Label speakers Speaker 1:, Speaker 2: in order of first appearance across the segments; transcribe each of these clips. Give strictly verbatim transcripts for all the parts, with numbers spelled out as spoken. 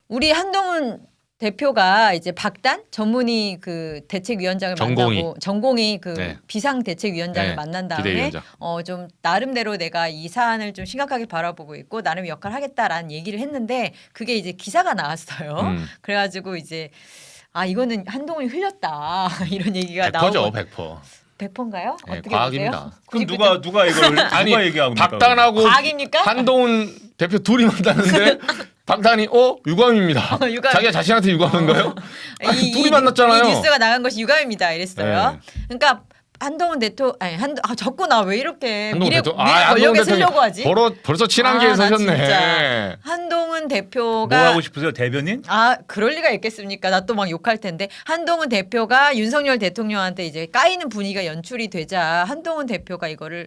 Speaker 1: 우리 한동훈 대표가 이제 박단 전문위 그 대책위원장을
Speaker 2: 전공이.
Speaker 1: 만나고 전공이 그
Speaker 2: 네.
Speaker 1: 비상대책위원장을
Speaker 2: 네.
Speaker 1: 만난 다음에
Speaker 2: 비대위원장.
Speaker 1: 어 좀 나름대로 내가 이 사안을 좀 심각하게 바라보고 있고 나름 역할을 하겠다라는 얘기를 했는데 그게 이제 기사가 나왔어요.
Speaker 2: 음.
Speaker 1: 그래가지고 이제 아 이거는 한동훈이 흘렸다 이런 얘기가
Speaker 2: 백 퍼센트죠,
Speaker 1: 나오고
Speaker 2: 백 퍼센트.
Speaker 1: 백 퍼센트인가요?
Speaker 2: 네,
Speaker 1: 어떻게
Speaker 2: 과학입니다.
Speaker 1: 보세요?
Speaker 3: 그럼 누가 누가 이걸
Speaker 2: 아니,
Speaker 3: 누가 얘기하고
Speaker 2: 박단하고
Speaker 1: 과학입니까?
Speaker 2: 한동훈 대표 둘이 만났는데 박단이 어 유감입니다.
Speaker 1: 어, 유감.
Speaker 2: 자기가 자신한테 유감한 거예요? 아니,
Speaker 1: 이,
Speaker 2: 둘이
Speaker 1: 이,
Speaker 2: 만났잖아요.
Speaker 1: 이 뉴스가 나간 것이 유감입니다. 이랬어요.
Speaker 2: 네.
Speaker 1: 그러니까 한동훈 대표 아니 한 아, 자꾸 나 왜 이렇게
Speaker 2: 한동훈
Speaker 1: 미래
Speaker 2: 대표
Speaker 1: 미래 권력에 쓰려고 하지?
Speaker 2: 벌어, 벌써 친한계에
Speaker 1: 아, 나
Speaker 2: 서셨네.
Speaker 1: 진짜. 한동훈
Speaker 3: 뭐
Speaker 1: 대표가
Speaker 3: 하고 싶으세요, 대변인?
Speaker 1: 아 그럴 리가 있겠습니까? 나 또 막 욕할 텐데 한동훈 대표가 윤석열 대통령한테 이제 까이는 분위기가 연출이 되자 한동훈 대표가 이거를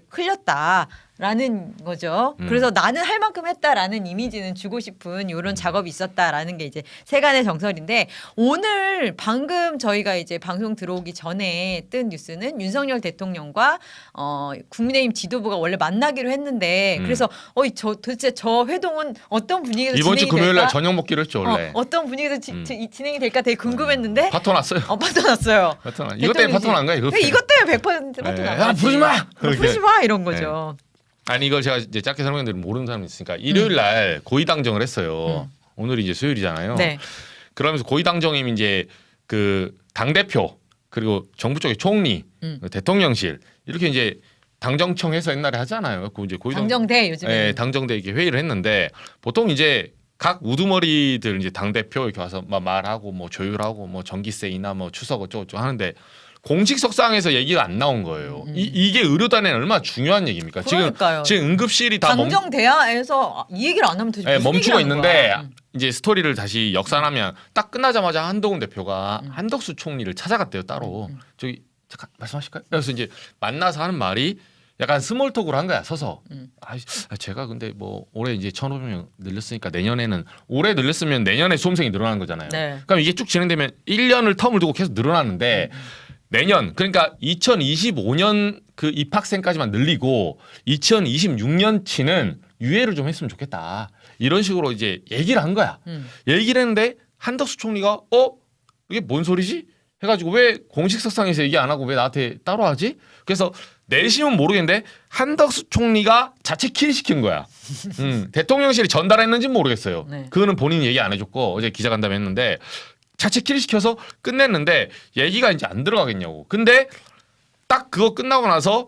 Speaker 1: 흘렸다라는 거죠.
Speaker 2: 음.
Speaker 1: 그래서 나는 할 만큼 했다라는 이미지는 주고 싶은 이런 작업이 있었다라는 게 이제 세간의 정설인데 오늘 방금 저희가 이제 방송 들어오기 전에 뜬 뉴스는 윤석열 대통령과 어, 국민의힘 지도부가 원래 만나기로 했는데
Speaker 2: 음.
Speaker 1: 그래서 어이 저 도대체 저 회동은 어떤 분위기에서
Speaker 2: 이번 주
Speaker 1: 진행이
Speaker 2: 금요일 날
Speaker 1: 될까?
Speaker 2: 저녁 먹기로 했죠 원래.
Speaker 1: 어, 어떤 분위기에서 지,
Speaker 2: 음.
Speaker 1: 지- 진행이 될까 되게 궁금했는데
Speaker 2: 파토 났어요.
Speaker 1: 어 파토 났어요.
Speaker 2: 파토 나. 이것 때문에 파토 난 거야. 이거.
Speaker 1: 왜 이것 때문에 백 퍼센트 파토
Speaker 2: 네.
Speaker 1: 난
Speaker 2: 야,
Speaker 1: 거지.
Speaker 2: 부르지 마!
Speaker 1: 어,
Speaker 2: 이렇게.
Speaker 1: 부르지 마 이런 거죠.
Speaker 2: 아니 이걸 제가 이제 짧게 설명드리면 모르는 사람이 있으니까 일요일 날 고위 당정을 했어요. 오늘이 이제 수요일이잖아요.
Speaker 1: 네.
Speaker 2: 그러면서 고위 당정이 이제 그 당 대표 그리고 정부 쪽의 총리,
Speaker 1: 음.
Speaker 2: 대통령실 이렇게 이제 당정청에서 옛날에 하잖아요. 그 이제 고위 당
Speaker 1: 당정대 요즘에.
Speaker 2: 예, 당정대 이렇게 회의를 했는데 보통 이제 각 우두머리들 이제 당 대표 이렇게 와서 막 말하고 뭐 조율하고 뭐 전기세 인하 뭐 추석 어쩌고 저쩌고 하는데 공식 석상에서 얘기가 안 나온 거예요.
Speaker 1: 음.
Speaker 2: 이, 이게 의료단에는 얼마나 중요한 얘기입니까?
Speaker 1: 그러니까요.
Speaker 2: 지금 지금 응급실이 다 멈,
Speaker 1: 당정대야에서 이 얘기를 안 하면 도대체
Speaker 2: 예,
Speaker 1: 무슨
Speaker 2: 멈추고
Speaker 1: 얘기를 하는
Speaker 2: 있는데
Speaker 1: 거야? 음.
Speaker 2: 이제 스토리를 다시 역산하면 딱 끝나자마자 한동훈 대표가
Speaker 1: 음.
Speaker 2: 한덕수 총리를 찾아갔대요 따로.
Speaker 1: 음, 음.
Speaker 2: 저기 잠깐 말씀하실까요? 그래서 이제 만나서 하는 말이 약간 스몰톡으로 한 거야 서서.
Speaker 1: 음.
Speaker 2: 아, 제가 근데 뭐 올해 이제 천오백 명 늘렸으니까 내년에는 올해 늘렸으면 내년에 수험생이 늘어나는 거잖아요.
Speaker 1: 네.
Speaker 2: 그럼 이게 쭉 진행되면 일 년을 텀을 두고 계속 늘어나는데
Speaker 1: 음.
Speaker 2: 내년 그러니까 이천이십오 년 그 입학생까지만 늘리고 이천이십육 년치는 유예를 좀 했으면 좋겠다. 이런 식으로 이제 얘기를 한 거야.
Speaker 1: 음.
Speaker 2: 얘기를 했는데 한덕수 총리가 어? 이게 뭔 소리지? 해가지고 왜 공식 석상에서 얘기 안 하고 왜 나한테 따로 하지? 그래서 내심은 모르겠는데 한덕수 총리가 자체 킬시킨 거야. 음, 대통령실이 전달했는지는 모르겠어요.
Speaker 1: 네.
Speaker 2: 그거는 본인이 얘기 안 해줬고 어제 기자간담회 했는데 자체 킬시켜서 끝냈는데 얘기가 이제 안 들어가겠냐고. 근데 딱 그거 끝나고 나서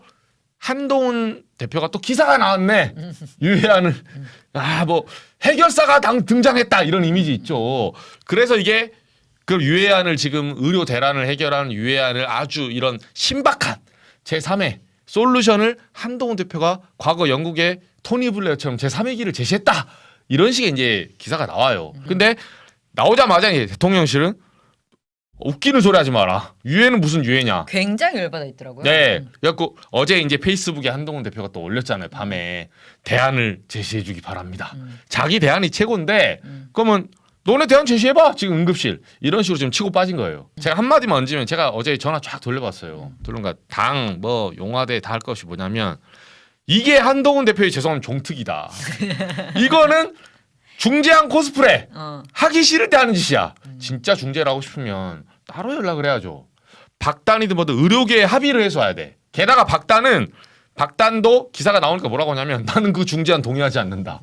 Speaker 2: 한동훈 대표가 또 기사가 나왔네. 유해안을 아 뭐 해결사가 당 등장했다 이런 이미지 있죠. 그래서 이게 그 유해안을 지금 의료 대란을 해결하는 유해안을 아주 이런 신박한 제삼의 솔루션을 한동훈 대표가 과거 영국의 토니 블레어처럼 제삼의 길을 제시했다. 이런 식의 이제 기사가 나와요. 근데 나오자마자 이제 대통령실은 웃기는 소리 하지 마라. 유해는 무슨 유해냐.
Speaker 1: 굉장히 열받아 있더라고요.
Speaker 2: 네.
Speaker 1: 음.
Speaker 2: 그래갖고 어제 이제 페이스북에 한동훈 대표가 또 올렸잖아요. 밤에 대안을 제시해주기 바랍니다.
Speaker 1: 음.
Speaker 2: 자기 대안이 최고인데
Speaker 1: 음.
Speaker 2: 그러면 너네 대안 제시해봐. 지금 응급실 이런 식으로 지금 치고 빠진 거예요. 제가 한 마디만 얹으면 제가 어제 전화 쫙 돌려봤어요. 돌려가 당 뭐 용화대 다 할 것이 뭐냐면 이게 한동훈 대표의 죄송하면 종특이다. 이거는 중재한 코스프레.
Speaker 1: 어.
Speaker 2: 하기 싫을 때 하는 짓이야. 진짜 중재를 하고 싶으면 따로 연락을 해야죠. 박단이든 뭐든 의료계에 합의를 해서 와야 돼. 게다가 박단은 박단도 기사가 나오니까 뭐라고 하냐면 나는 그 중재안 동의하지 않는다.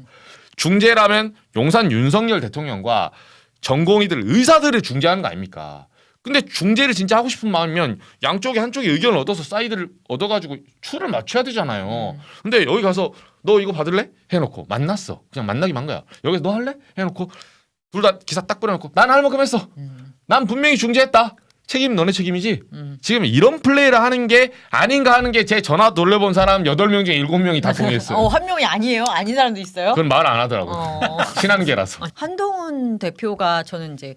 Speaker 2: 중재라면 용산 윤석열 대통령과 전공의들 의사들을 중재하는 거 아닙니까? 근데 중재를 진짜 하고 싶은 마음이면 양쪽에 한쪽에 의견을 얻어서 사이드를 얻어가지고 추를 맞춰야 되잖아요. 근데 여기 가서 너 이거 받을래? 해놓고 만났어. 그냥 만나기만 한 거야. 여기서 너 할래? 해놓고 둘 다 기사 딱 뿌려놓고 난 할 만큼 했어.
Speaker 1: 음.
Speaker 2: 난 분명히 중재했다. 책임 너네 책임이지.
Speaker 1: 음.
Speaker 2: 지금 이런 플레이를 하는 게 아닌가 하는 게 제 전화 돌려본 사람 여덟 명 중에 일곱 명이 다 동의했어요.
Speaker 1: 어, 한 명이 아니에요. 아닌 사람도 있어요.
Speaker 2: 그건 말 안 하더라고요.
Speaker 1: 어.
Speaker 2: 친한계라서.
Speaker 1: 한동훈 대표가 저는 이제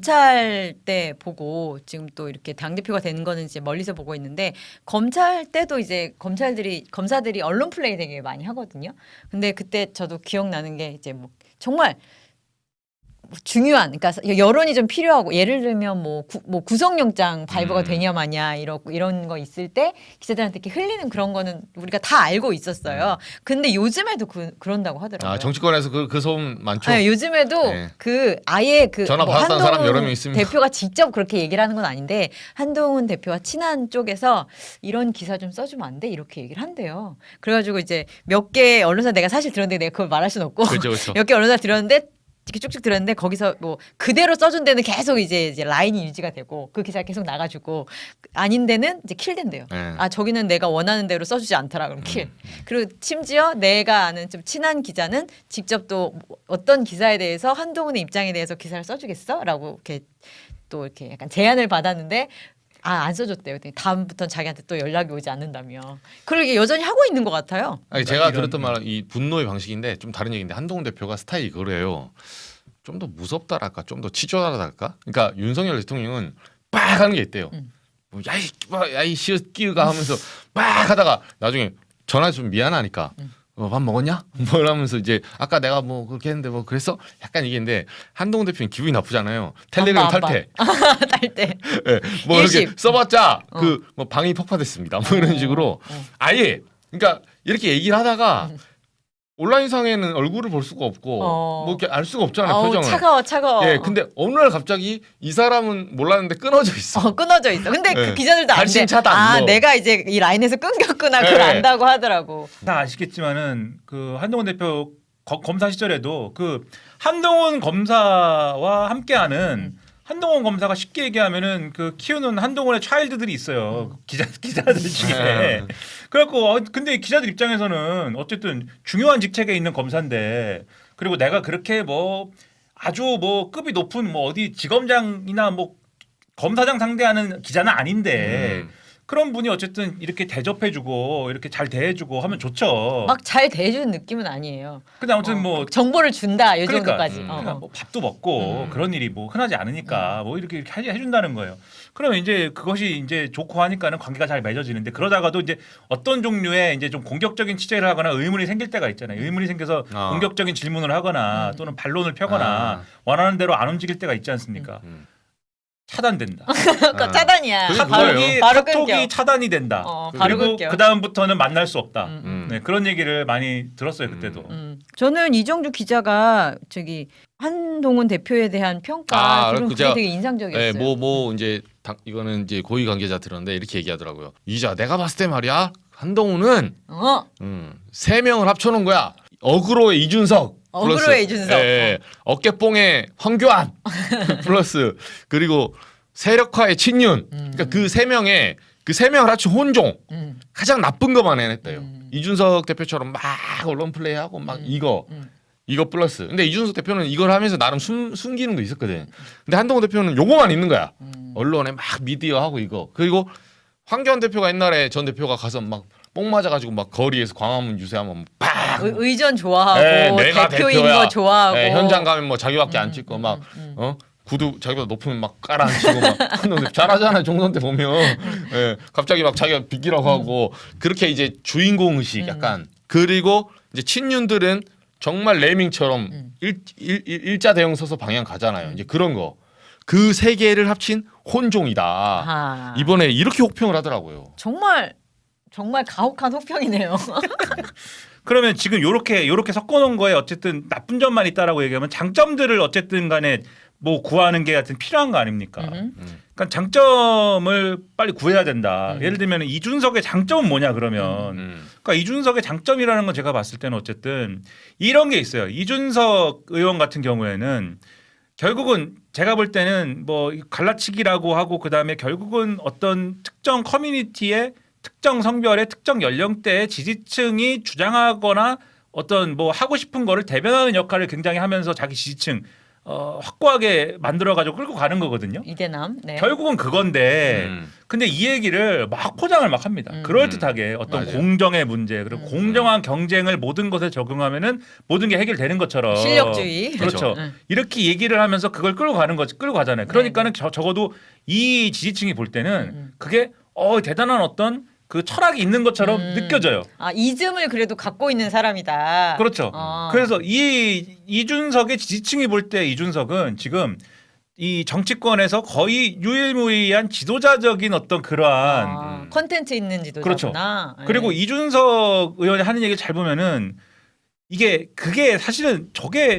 Speaker 1: 검찰 때 보고 지금 또 이렇게 당 대표가 되는 거는 이제 멀리서 보고 있는데 검찰 때도 이제 검찰들이 검사들이 언론 플레이 되게 많이 하거든요. 근데 그때 저도 기억나는 게 이제 뭐 정말 중요한, 그러니까 여론이 좀 필요하고 예를 들면 뭐, 구, 뭐 구속영장 발부가
Speaker 2: 음.
Speaker 1: 되냐 마냐 이런 이런 거 있을 때 기자들한테 이렇게 흘리는 그런 거는 우리가 다 알고 있었어요. 근데 요즘에도 그, 그런다고 하더라고요.
Speaker 2: 아 정치권에서 그, 그 소음 많죠.
Speaker 1: 네, 요즘에도
Speaker 2: 네.
Speaker 1: 그 아예 그
Speaker 2: 전화
Speaker 1: 뭐
Speaker 2: 받았다는 사람 여러 명
Speaker 1: 한동훈
Speaker 2: 있습니다.
Speaker 1: 대표가 직접 그렇게 얘기를 하는 건 아닌데 한동훈 대표와 친한 쪽에서 이런 기사 좀 써주면 안 돼? 이렇게 얘기를 한대요. 그래가지고 이제 몇 개 언론사 내가 사실 들었는데 내가 그걸 말할 수는 없고
Speaker 2: 그렇죠, 그렇죠.
Speaker 1: 몇 개 언론사 들었는데 이렇게 쭉쭉 들었는데 거기서 뭐 그대로 써준 데는 계속 이제, 이제 라인이 유지가 되고 그 기사가 계속 나가지고 아닌 데는 이제 킬된대요.
Speaker 2: 네.
Speaker 1: 아 저기는 내가 원하는 대로 써주지 않더라 그럼 킬.
Speaker 2: 음.
Speaker 1: 그리고 심지어 내가 아는 좀 친한 기자는 직접 또 어떤 기사에 대해서 한동훈의 입장에 대해서 기사를 써주겠어?라고 이렇게 또 이렇게 약간 제안을 받았는데. 아, 안 써줬대요. 다음부터는 자기한테 또 연락이 오지 않는다며. 그러게 여전히 하고 있는 것 같아요.
Speaker 2: 아니 제가
Speaker 3: 이런-
Speaker 2: 들었던 말은 이 분노의 방식인데 좀 다른 얘기인데 한동훈 대표가 스타일이 그래요. 좀 더 무섭다랄까, 좀 더 치졸하달까. 그러니까 윤석열 대통령은 빡 하는 게 있대요.
Speaker 1: 음.
Speaker 2: 뭐 야이 야이 시끼가 하면서 빡 하다가 나중에 전화 좀 미안하니까.
Speaker 1: 음.
Speaker 2: 어, 밥 먹었냐? 뭐 이러면서 이제 아까 내가 뭐 그렇게 했는데 뭐 그랬어? 약간 이게인데 한동훈 대표는 기분이 나쁘잖아요. 텔레그램
Speaker 1: 안 봐, 안
Speaker 2: 탈퇴.
Speaker 1: 딸 때.
Speaker 2: 예, 뭐 이렇게
Speaker 1: 일십.
Speaker 2: 써봤자
Speaker 1: 어.
Speaker 2: 그 뭐 방이 폭파됐습니다. 뭐 이런 식으로
Speaker 1: 어.
Speaker 2: 아예 그러니까 이렇게 얘기를 하다가
Speaker 1: 음.
Speaker 2: 온라인상에는 얼굴을 볼 수가 없고
Speaker 1: 어.
Speaker 2: 뭐 이렇게 알 수가 없잖아요.
Speaker 1: 어우,
Speaker 2: 표정을.
Speaker 1: 차가워 차가워.
Speaker 2: 예, 근데 어느 날 갑자기 이 사람은 몰랐는데 끊어져 있어.
Speaker 1: 어, 끊어져 있어. 근데
Speaker 2: 네.
Speaker 1: 그 기자들도 안 돼.
Speaker 2: 발신 차단,
Speaker 1: 아,
Speaker 2: 뭐.
Speaker 1: 내가 이제 이 라인에서 끊겼구나. 그걸
Speaker 2: 네.
Speaker 1: 안다고 하더라고.
Speaker 3: 다 아시겠지만은 그 한동훈 대표 거- 검사 시절에도 그 한동훈 검사와 함께하는
Speaker 1: 음.
Speaker 3: 한동훈 검사가 쉽게 얘기하면은 그 키우는 한동훈의 차일드들이 있어요.
Speaker 1: 음.
Speaker 3: 기자 기자들 중에.
Speaker 2: 네.
Speaker 3: 그래갖고 어, 근데 기자들 입장에서는 어쨌든 중요한 직책에 있는 검사인데 그리고 내가 그렇게 뭐 아주 뭐 급이 높은 뭐 어디 지검장이나 뭐 검사장 상대하는 기자는 아닌데
Speaker 2: 음.
Speaker 3: 그런 분이 어쨌든 이렇게 대접해주고 이렇게 잘 대해주고 하면 좋죠.
Speaker 1: 막 잘 대해주는 느낌은 아니에요.
Speaker 3: 근데 아무튼
Speaker 1: 어,
Speaker 3: 뭐
Speaker 1: 정보를 준다 이
Speaker 3: 그러니까,
Speaker 1: 정도까지.
Speaker 2: 음.
Speaker 1: 어,
Speaker 3: 그냥
Speaker 1: 어.
Speaker 3: 뭐 밥도 먹고
Speaker 2: 음.
Speaker 3: 그런 일이 뭐 흔하지 않으니까 뭐 이렇게 이렇게 해- 해준다는 거예요. 그러면 이제 그것이 이제 좋고 하니까는 관계가 잘 맺어지는데 그러다가도 이제 어떤 종류의 이제 좀 공격적인 취재를 하거나 의문이 생길 때가 있잖아요. 의문이 생겨서
Speaker 2: 어.
Speaker 3: 공격적인 질문을 하거나
Speaker 1: 음.
Speaker 3: 또는 반론을 펴거나
Speaker 2: 아.
Speaker 3: 원하는 대로 안 움직일 때가 있지 않습니까?
Speaker 2: 음.
Speaker 3: 차단된다.
Speaker 1: 그거
Speaker 2: 아.
Speaker 1: 차단이야.
Speaker 2: 그게
Speaker 1: 바로
Speaker 2: 그거예요.
Speaker 3: 카톡이
Speaker 1: 바로
Speaker 3: 카톡이
Speaker 1: 끊겨.
Speaker 3: 차단이 된다.
Speaker 1: 어, 바로
Speaker 3: 그리고
Speaker 1: 끊겨.
Speaker 3: 그 다음부터는 만날 수 없다.
Speaker 1: 음.
Speaker 2: 음.
Speaker 3: 네, 그런 얘기를 많이 들었어요 그때도.
Speaker 2: 음.
Speaker 1: 음. 저는 이정주 기자가 저기 한동훈 대표에 대한 평가
Speaker 2: 아,
Speaker 1: 들은
Speaker 2: 그
Speaker 1: 그게
Speaker 2: 제가-
Speaker 1: 되게 인상적이었어요.
Speaker 2: 예, 뭐, 뭐, 이제, 당, 이거는 이제 고위 관계자 들었는데 이렇게 얘기하더라고요. 이자, 내가 봤을 때 말이야, 한동훈은,
Speaker 1: 어,
Speaker 2: 음, 세 명을 합쳐놓은 거야. 어그로의 이준석. 플러스,
Speaker 1: 어그로의 이준석.
Speaker 2: 예, 예. 어깨뽕의 황교안. 플러스, 그리고 세력화의 친윤.
Speaker 1: 음.
Speaker 2: 그러니까 그 세 명의, 그 세 명을 합친 혼종.
Speaker 1: 음.
Speaker 2: 가장 나쁜 것만 해냈대요.
Speaker 1: 음.
Speaker 2: 이준석 대표처럼 막 언론 플레이하고 막
Speaker 1: 음.
Speaker 2: 이거.
Speaker 1: 음.
Speaker 2: 이거 플러스. 근데 이준석 대표는 이걸 하면서 나름 숨, 숨기는 거 있었거든. 근데 한동훈 대표는 요거만 있는 거야.
Speaker 1: 음.
Speaker 2: 언론에 막 미디어 하고 이거. 그리고 황교안 대표가 옛날에 전 대표가 가서 막 뽕 맞아가지고 막 거리에서 광화문 유세하면 빡.
Speaker 1: 의, 의전 좋아하고
Speaker 2: 네, 내가
Speaker 1: 대표인
Speaker 2: 대표야.
Speaker 1: 거 좋아하고
Speaker 2: 네, 현장 가면 뭐 자기밖에 안
Speaker 1: 음,
Speaker 2: 찍고
Speaker 1: 음,
Speaker 2: 막
Speaker 1: 음, 음.
Speaker 2: 어? 구두 자기보다 높으면 막 깔아앉히고 막 한동훈 대표 잘하잖아요. 종선 때 보면 예, 갑자기 막 자기가 비키라고 하고 그렇게 이제 주인공 의식
Speaker 1: 음.
Speaker 2: 약간 그리고 이제 친윤들은 정말 레밍처럼
Speaker 1: 음.
Speaker 2: 일, 일, 일, 일자 대형 서서 방향 가잖아요. 이제 그런 거. 그 세 개를 합친 혼종이다.
Speaker 1: 아.
Speaker 2: 이번에 이렇게 혹평을 하더라고요.
Speaker 1: 정말 정말 가혹한 혹평이네요.
Speaker 3: 그러면 지금 요렇게 요렇게 섞어놓은 거에 어쨌든 나쁜 점만 있다라고 얘기하면 장점들을 어쨌든 간에 뭐 구하는 게 하여튼 필요한 거 아닙니까?
Speaker 1: 음.
Speaker 2: 음.
Speaker 3: 그러니까 장점을 빨리 구해야 된다.
Speaker 1: 음.
Speaker 3: 예를 들면 이준석의 장점은 뭐냐 그러면
Speaker 2: 음.
Speaker 3: 그러니까 이준석의 장점이라는 건 제가 봤을 때는 어쨌든 이런 게 있어요. 이준석 의원 같은 경우에는 결국은 제가 볼 때는 뭐 갈라치기라고 하고 그다음에 결국은 어떤 특정 커뮤니티의 특정 성별의 특정 연령대의 지지층이 주장하거나 어떤 뭐 하고 싶은 거를 대변하는 역할을 굉장히 하면서 자기 지지층 어, 확고하게 만들어가지고 끌고 가는 거거든요.
Speaker 1: 이대남. 네.
Speaker 3: 결국은 그건데
Speaker 2: 음.
Speaker 3: 근데 이 얘기를 막 포장을 막 합니다.
Speaker 1: 음.
Speaker 3: 그럴듯하게 어떤
Speaker 2: 맞아요.
Speaker 3: 공정의 문제 그리고
Speaker 1: 음.
Speaker 3: 공정한 경쟁을 모든 것에 적용하면은 모든 게 해결되는 것처럼
Speaker 1: 실력주의.
Speaker 3: 그렇죠.
Speaker 1: 음.
Speaker 3: 이렇게 얘기를 하면서 그걸 끌고 가는 거지 끌고 가잖아요. 그러니까는 저, 적어도 이 지지층이 볼 때는
Speaker 1: 음.
Speaker 3: 그게 어 대단한 어떤 그 철학이 있는 것처럼
Speaker 1: 음.
Speaker 3: 느껴져요.
Speaker 1: 아 이즘을 그래도 갖고 있는 사람이다.
Speaker 3: 그렇죠.
Speaker 1: 어.
Speaker 3: 그래서 이 이준석의 지지층이 볼 때 이준석은 지금 이 정치권에서 거의 유일무이한 지도자적인 어떤 그러한
Speaker 1: 아, 컨텐츠 있는 지도자구나. 네.
Speaker 3: 그리고 이준석 의원이 하는 얘기 잘 보면은 이게 그게 사실은 저게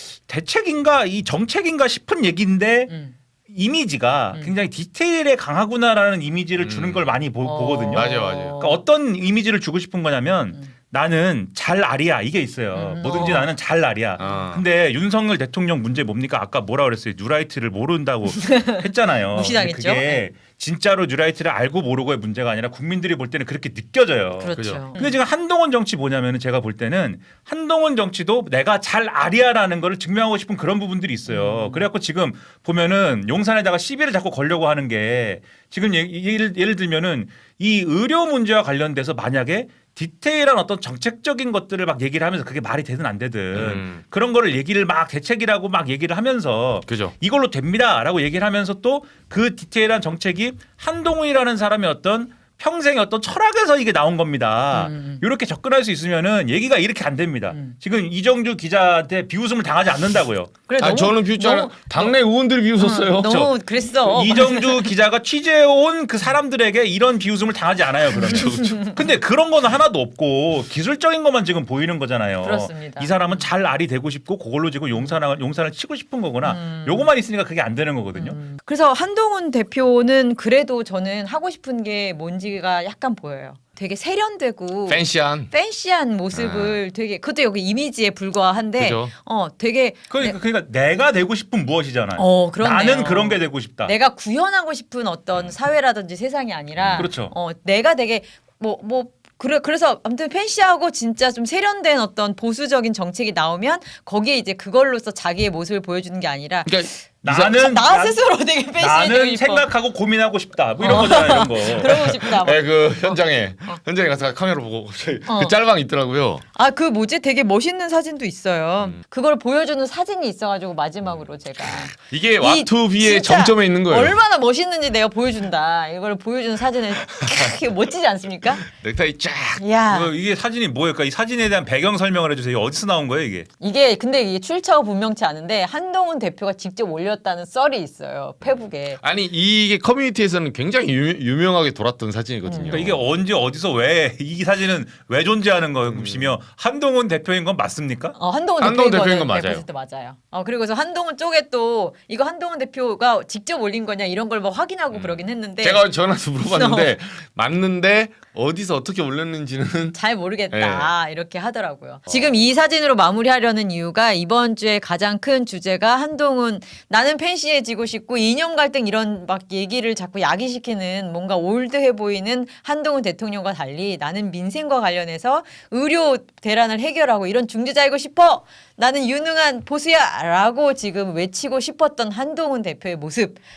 Speaker 3: 대책인가 이 정책인가 싶은 얘기인데
Speaker 1: 음.
Speaker 3: 이미지가
Speaker 1: 음.
Speaker 3: 굉장히 디테일에 강하구나라는 이미지를 주는
Speaker 2: 음.
Speaker 3: 걸 많이 보,
Speaker 1: 어.
Speaker 3: 보거든요.
Speaker 2: 맞아요, 맞아요.
Speaker 3: 그러니까 어떤 이미지를 주고 싶은 거냐면
Speaker 1: 음.
Speaker 3: 나는 잘 알이야 이게 있어요.
Speaker 1: 음.
Speaker 3: 뭐든지
Speaker 1: 어.
Speaker 3: 나는 잘 알이야.
Speaker 2: 어.
Speaker 3: 근데 윤석열 대통령 문제 뭡니까? 아까 뭐라 그랬어요? 뉴라이트를 모른다고 했잖아요.
Speaker 1: 무시당했죠?
Speaker 3: 근데 그게 진짜로 뉴라이트를 알고 모르고의 문제가 아니라 국민들이 볼 때는 그렇게 느껴져요.
Speaker 1: 그렇죠.
Speaker 2: 그죠.
Speaker 3: 근데 지금 한동훈 정치 뭐냐면은 제가 볼 때는 한동훈 정치도 내가 잘 아리아라는 거를 증명하고 싶은 그런 부분들이 있어요.
Speaker 1: 음.
Speaker 3: 그래갖고 지금 보면은 용산에다가 시비를 자꾸 걸려고 하는 게 지금 예- 예를, 예를 들면은 이 의료 문제와 관련돼서 만약에 디테일한 어떤 정책적인 것들을 막 얘기를 하면서 그게 말이 되든 안 되든
Speaker 2: 음.
Speaker 3: 그런 거를 얘기를 막 대책이라고 막 얘기를 하면서
Speaker 2: 그죠.
Speaker 3: 이걸로 됩니다라고 얘기를 하면서 또 그 디테일한 정책이 한동훈이라는 사람의 어떤 평생의 어떤 철학에서 이게 나온 겁니다.
Speaker 1: 음.
Speaker 3: 이렇게 접근할 수 있으면은 얘기가 이렇게 안 됩니다.
Speaker 1: 음.
Speaker 3: 지금 이정주 기자한테 비웃음을 당하지 않는다고요.
Speaker 1: 그래,
Speaker 2: 아
Speaker 1: 너무-
Speaker 2: 저는 비웃잖아요.
Speaker 1: 너무-
Speaker 2: 당내 의원들이 비웃었어요.
Speaker 1: 어, 너무 그랬어.
Speaker 3: 이정주 기자가 취재해온 그 사람들에게 이런 비웃음을 당하지 않아요. 그러면. 근데 그런 거는 하나도 없고 기술적인 것만 지금 보이는 거잖아요.
Speaker 1: 그렇습니다.
Speaker 3: 이 사람은 잘 알이 되고 싶고 그걸로 지금 용산을 용산을 치고 싶은 거구나.
Speaker 1: 음.
Speaker 3: 요거만 있으니까 그게 안 되는 거거든요.
Speaker 1: 음. 그래서 한동훈 대표는 그래도 저는 하고 싶은 게 뭔지가 약간 보여요. 되게 세련되고
Speaker 2: 팬시한.
Speaker 1: 팬시한 모습을 되게 그것도 여기 이미지에 불과한데
Speaker 2: 그죠.
Speaker 1: 어 되게
Speaker 3: 그러니까, 그러니까 내가 되고 싶은 무엇이잖아요.
Speaker 1: 어 그렇네요.
Speaker 3: 나는 그런 게 되고 싶다.
Speaker 1: 내가 구현하고 싶은 어떤 사회라든지 세상이 아니라
Speaker 3: 그렇죠.
Speaker 1: 어 내가 되게 뭐 뭐 그래 그래서 아무튼 팬시하고 진짜 좀 세련된 어떤 보수적인 정책이 나오면 거기에 이제 그걸로써 자기의 모습을 보여주는 게 아니라
Speaker 2: 그러니까
Speaker 3: 나는
Speaker 1: 나
Speaker 3: 난-
Speaker 1: 스스로 되게 팬시해지고
Speaker 3: 나는
Speaker 1: 싶어.
Speaker 3: 생각하고 고민하고 싶다. 뭐 이런
Speaker 1: 어.
Speaker 3: 거잖아요. 이런 거.
Speaker 1: 그러고 싶다. 막.
Speaker 2: 네, 그 현장에 현장에 가서 카메라 보고 갑자기
Speaker 1: 어.
Speaker 2: 그 짤방 있더라고요.
Speaker 1: 아, 그 뭐지? 되게 멋있는 사진도 있어요.
Speaker 2: 음.
Speaker 1: 그걸 보여주는 사진이 있어가지고 마지막으로 제가
Speaker 2: 이게
Speaker 1: 이
Speaker 2: 와투비의
Speaker 1: 진짜
Speaker 2: 정점에 있는 거예요.
Speaker 1: 얼마나 멋있는지 내가 보여준다. 이걸 보여주는 사진을 이게 멋지지 않습니까?
Speaker 2: 넥타이 쫙.
Speaker 1: 야
Speaker 3: 이거 이게 사진이 뭐일까? 이 사진에 대한 배경 설명을 해주세요. 이게 어디서 나온 거예요, 이게?
Speaker 1: 이게 근데 이게 출처가 분명치 않은데 한동훈 대표가 직접 올렸다는 썰이 있어요. 페북에.
Speaker 2: 아니 이게 커뮤니티에서는 굉장히 유, 명하게 돌았던 사진이거든요.
Speaker 3: 그러니까 이게 언제 어디서 왜 이 사진은 왜 존재하는 것이며 한동훈 대표인 건 맞습니까?
Speaker 1: 어, 한동훈,
Speaker 2: 한동훈
Speaker 1: 대표인
Speaker 2: 대표인 건
Speaker 1: 거는
Speaker 2: 맞아요.
Speaker 1: 백 퍼센트 맞아요. 어, 그리고서 한동훈 쪽에 또 이거 한동훈 대표가 직접 올린 거냐 이런 걸 뭐 확인하고 그러긴 했는데
Speaker 2: 제가 전화해서 물어봤는데 맞는데 어디서 어떻게 올렸는지는
Speaker 1: 잘 모르겠다 이렇게 하더라고요. 지금 이 사진으로 마무리하려는 이유가 이번 주에 가장 큰 주제가 한동훈 나는 팬시해지고 싶고 이념 갈등 이런 막 얘기를 자꾸 야기시키는 뭔가 올드해 보이는 한동훈 대통령과 달리 나는 민생과 관련해서 의료 대란을 해결하고 이런 중재자이고 싶어. 나는 유능한 보수야라고 지금 외치고 싶었던 한동훈 대표의 모습.